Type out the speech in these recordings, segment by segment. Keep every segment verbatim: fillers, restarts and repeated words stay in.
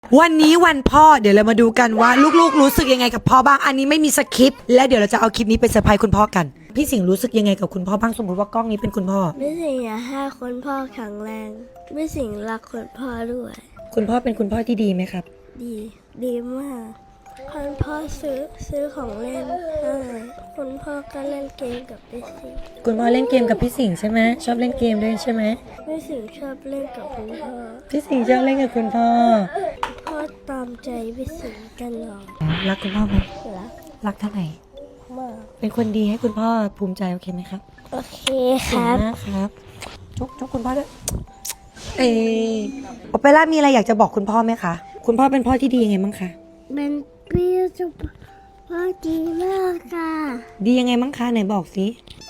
วันนี้วันพ่อเดี๋ยวเรามาดูกันว่าลูกๆรู้สึกยังไงกับพ่อบ้างอันนี้ไม่มีสคริปต์และเดี๋ยวเราจะเอาคลิปนี้ไปเซอร์ไพรส์คุณพ่อกันพี่สิงห์รู้สึกยังไงกับคุณพ่อบ้างสมมติว่ากล้องนี้เป็นคุณพ่อพี่สิงห์อยากให้คุณพ่อแข็งแรงพี่สิงห์รักคุณพ่อด้วยคุณพ่อเป็นคุณพ่อที่ดีไหมครับดีดีมากคุณพ่อซื้อซื้อของเล่นให้คุณพ่อก็เล่นเกมกับพี่สิงห์คุณพ่อเล่นเกมกับพี่สิงห์ใช่ไหมชอบเล่นเกมด้วยใช่ไหมพี่สิงห์ชอบเล่นกับคุณพ่อพี่สิงห์ชอบเล่นกับคุณพ่อพ่อตามใจพี่สิงห์ตลอดรักคุณพ่อไหมรักรักเท่าไหร่มากเป็นคนดีให้คุณพ่อภูมิใจโอเคไหมครับโอเคครับเก่งมากครับจุ๊บจุ๊บคุณพ่อด้วยเออโอเปร่ามีอะไรอยากจะบอกคุณพ่อไหมคะคุณพ่อเป็นพ่อที่ดียังไงบ้างคะเป็นพี่สุภพ่อดีมากค่ะดียังไงบ้างคะไหนบอกสิ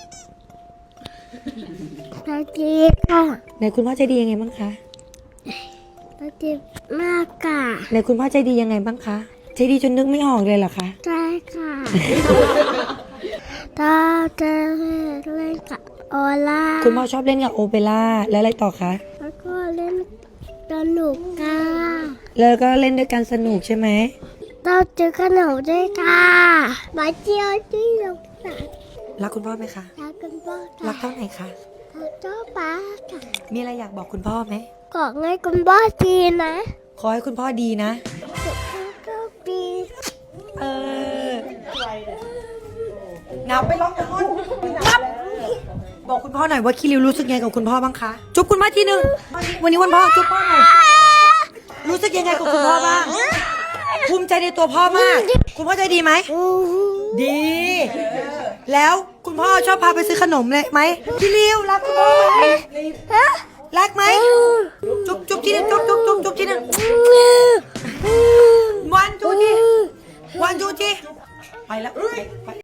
พ่อดีค่ะไหนคุณพ่อใจดียังไงบ้างคะพ่อดีมากค่ะไหนคุณพ่อใจดียังไงบ้างคะใจดีจนนึกไม่ออกเลยเหรอคะใช่ค่ะตาจะเล่นกับโอล่าคุณพ่อชอบเล่นกับโอเปร่าแล้วอะไรต่อคะแล้วก็เล่นสนุกค่ะแล้วก็เล่นด้วยกันสนุกใช่ไหมเราเจอขนมด้วยค่ะมาเจียวที่ลงสระรักคุณพ่อไหมคะรักกันบ้างรัค่ะกเท่าไหร่คะรักเจ้าป้าค่ะมีอะไรอยากบอกคุณพ่อไหมขอให้คุณพ่อดีนะขอให้คุณพ่อดีนะสุขภาพก็ดีเออนับไปร้องกับคนนับบอกคุณพ่อหน่อยว่าคิริวรู้สึกยังไงกับคุณพ่อบ้างคะจุ๊บคุณพ่อทีหนึ่งวันนี้วันพ่อจุ๊บพ่อหน่อยรู้สึกยังไงกับคุณพ่อบ้างภูมิใจในตัวพ่อมาก คุณพ่อใจดีไหมดี แล้วคุณพ่อชอบพาไปซื้อขนมเลยไหมคิริวรักคุณพ่อไหมรักไหมจุ๊บจุ๊บทีหนึงจุ๊บจุ๊บจุ๊บจุ๊บทีหนึงวันจูทีวันจูทีไปแล้วไป